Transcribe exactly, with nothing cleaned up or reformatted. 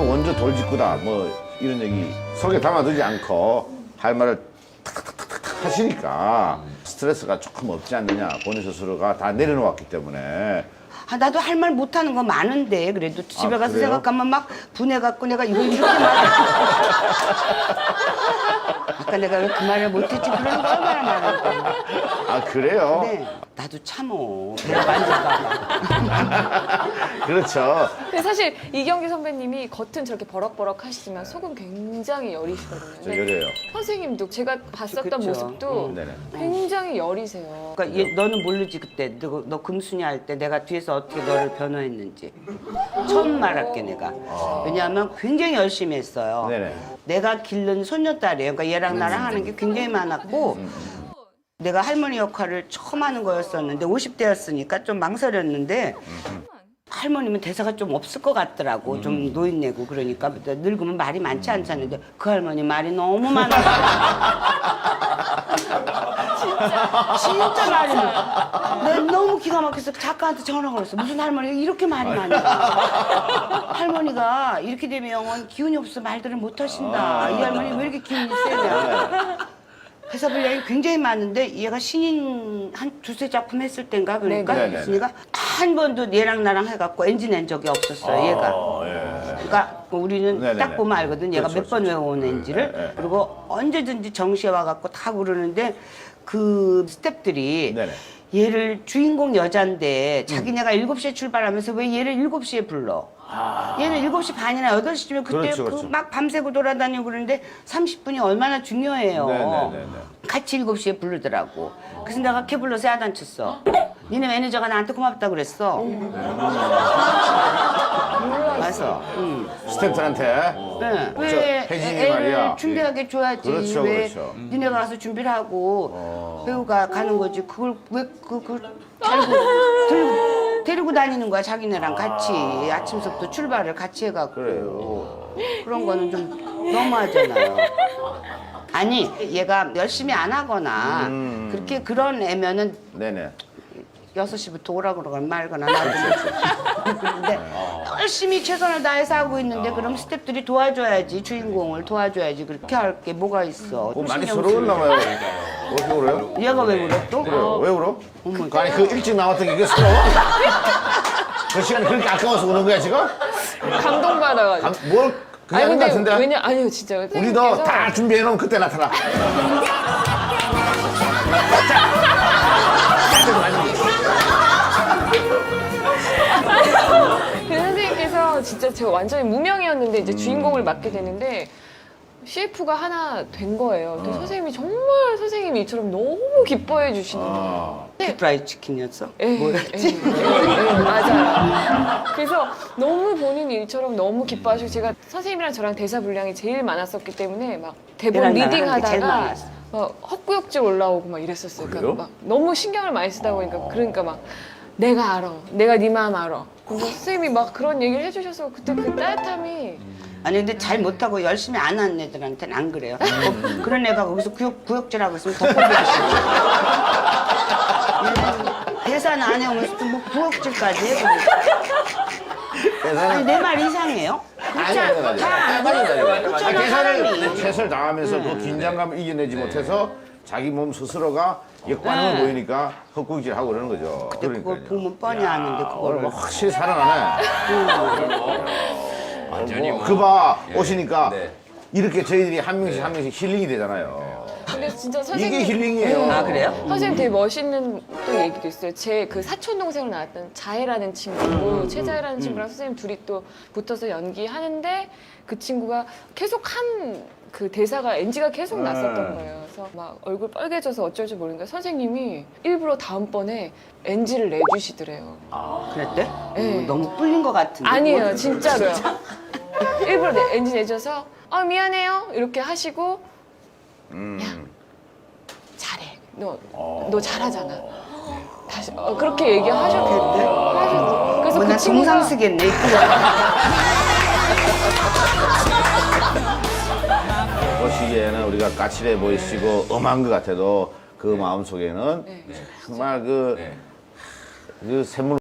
원조 돌직구다 뭐 이런 얘기 속에 담아두지 않고 할 말을 탁탁탁탁 하시니까 스트레스가 조금 없지 않느냐. 본인 스스로가 다 내려놓았기 때문에. 아, 나도 할 말 못하는 거 많은데 그래도 집에 아, 가서 그래요? 생각하면 막 분해갖고 내가 이걸 이렇게 말해. 아까 내가 왜 그 말을 못했지 그런 거 얼마나 많은데. 아 그래요? 네, 나도 참어. 내가 만질까 그렇죠. 근데 사실 이경규 선배님이 겉은 저렇게 버럭버럭 하시지만 속은 굉장히 여리시거든요. 저 근데 여려요. 선생님도 제가 봤었던 그쵸. 모습도 네네. 굉장히 여리세요. 그러니까 얘, 너는 모르지 그때 너, 너 금순이 할 때 내가 뒤에서 어떻게 너를 변호했는지 처음 말할게 내가. 왜냐하면 굉장히 열심히 했어요. 네네. 내가 기른 손녀딸이에요. 그러니까 얘랑 나랑 하는 게 굉장히 많았고 내가 할머니 역할을 처음 하는 거였었는데 오십 대였으니까 좀 망설였는데 할머니면 대사가 좀 없을 것 같더라고. 좀 노인네고 그러니까 늙으면 말이 많지 않잖아요. 그 할머니 말이 너무 많아. 진짜 진짜 말이 많아. 내가 너무 기가 막혀서 작가한테 전화가 왔어. 무슨 할머니가 이렇게 말이 많아. 할머니가 이렇게 되면 기운이 없어 말들을 못 하신다. 이 할머니 왜 이렇게 기운이 세냐. 회사 분량이 굉장히 많은데 얘가 신인 한 두세 작품 했을 땐가 그러니까 네네네. 했으니까 한 번도 얘랑 나랑 해갖고 엔진 낸 적이 없었어요. 얘가. 그러니까 우리는 네네네. 딱 보면 알거든. 얘가 그렇죠, 몇 번 그렇죠. 외워온 엔지를. 네, 네. 그리고 언제든지 정시에 와갖고 다 부르는데 그 스태프들이 네네. 얘를 주인공 여잔데 자기네가 일곱 시에 출발하면서 왜 얘를 일곱 시에 불러? 얘는 일곱 시 반이나 여덟 시쯤에 그때 그렇죠, 그 그렇죠. 막 밤새고 돌아다니고 그러는데 삼십 분이 얼마나 중요해요. 네네네네. 같이 일곱 시에 부르더라고. 그래서 내가 캐 불러서 야단쳤어. 니네 매니저가 나한테 고맙다 그랬어. 와서. 응. 스태프들한테. 네. 저 왜 혜진이 애를 말이야. 준비하게 줘야지. 그렇죠, 왜 그렇죠. 니네가 가서 준비를 하고 어. 배우가 가는 거지. 그걸 왜 그, 그걸 데리고, 데리고, 데리고 다니는 거야. 자기네랑 같이. 아침부터 출발을 같이 해갖고. 그래요. 그런 거는 좀 너무하잖아요. 아니, 얘가 열심히 안 하거나 음. 그렇게 그런 애면은 네네. 여섯 시부터 오라고 그러거나 말거나 놔두고 그런데 열심히 최선을 다해서 하고 있는데 그럼 스태프들이 도와줘야지 주인공을 도와줘야지 그렇게 할 게 뭐가 있어. 뭐 좀 많이 신경 서러웠나 쓰고. 봐요. 왜 이렇게 울어요? 얘가 왜 울어 또? 그래요. 왜 울어? 어머. 그, 아니 그 일찍 나왔던 게 이게 서러워? 그 시간이 그렇게 아까워서 우는 거야 지금? 감동받아가지고. 감- 뭘 그게 아닌 것 같은데? 왜냐 아니요 진짜 우리도 선생님께서 다 준비해놓으면 그때 나타나. 그 선생님께서 진짜 제가 완전히 무명이었는데 이제 주인공을 음. 맡게 되는데 씨에프가 하나 된 거예요. 어. 근데 선생님이 정말 선생님이 이처럼 너무 기뻐해 주시는 거예요. 아, 프라이 치킨이었어? 예, 뭐였지? 예, 예, 예, 맞아요. 그래서 너무 본인 일처럼 너무 기뻐하시고 제가 선생님이랑 저랑 대사 분량이 제일 많았었기 때문에 막 대본 얘랑 나랑 리딩 하는 게 제일 하다가 많았어. 막 헛구역질 올라오고 막 이랬었어요. 그래요? 그러니까 막 너무 신경을 많이 쓰다 보니까 그러니까 막 내가 알아, 내가 네 마음 알아. 그래서 선생님이 막 그런 얘기를 해주셔서 그때 그 따뜻함이 아니 근데 잘 못하고 열심히 안 하는 애들한테는 안 그래요. 어, 그런 애가 거기서 구역, 구역질하고 있으면 더 꼴보기 싫어. 대사는 안 해오면서 또 뭐 구역질까지 해. 아니 내 말 이상해요? 그렇지 아니, 않- 아니, 잘 안- 아니, 아니, 아니. 그렇잖아, 아, 사람이. 최선을, 최선을 다하면서 그 긴장감을 이겨내지 못해서 자기 몸 스스로가 역반응을 네. 보이니까 헛구질하고 그러는 거죠. 근데 그걸 그러니까요. 보면 뻔히 아는데 오늘 그거를 뭐 확실히 살아나네. 완전히 뭐, 뭐- 그봐 예. 오시니까 네. 이렇게 저희들이 한 명씩 한 명씩 힐링이 되잖아요. 근데 진짜 선생님 이게 힐링이에요. 아, 그래요? 선생님 되게 멋있는 또 얘기도 있어요. 제 그 사촌 동생으로 나왔던 자해라는 친구고 최자해라는 친구랑 선생님 둘이 또 붙어서 연기하는데 그 친구가 계속 한 그 대사가 엔지가 계속 났었던 거예요. 그래서 막 얼굴 빨개져서 어쩔 줄 모르니까 선생님이 일부러 다음번에 엔지를 내주시더래요. 그랬대? 네. 어, 너무 뿔린 것 같은데. 아니에요, 진짜로요. 일부러 내, 엔지 내줘서 아 미안해요 이렇게 하시고 음. 잘해. 너, 너 잘하잖아. 다시 어, 그렇게 얘기하셨거든요. 하셨어. 그래서 뭐나 그 친구가 정상 쓰겠네. 보시기에는 우리가 까칠해 보이시고 엄한 것 같아도 그 마음 속에는 네. 정말 그, 네. 그 샘물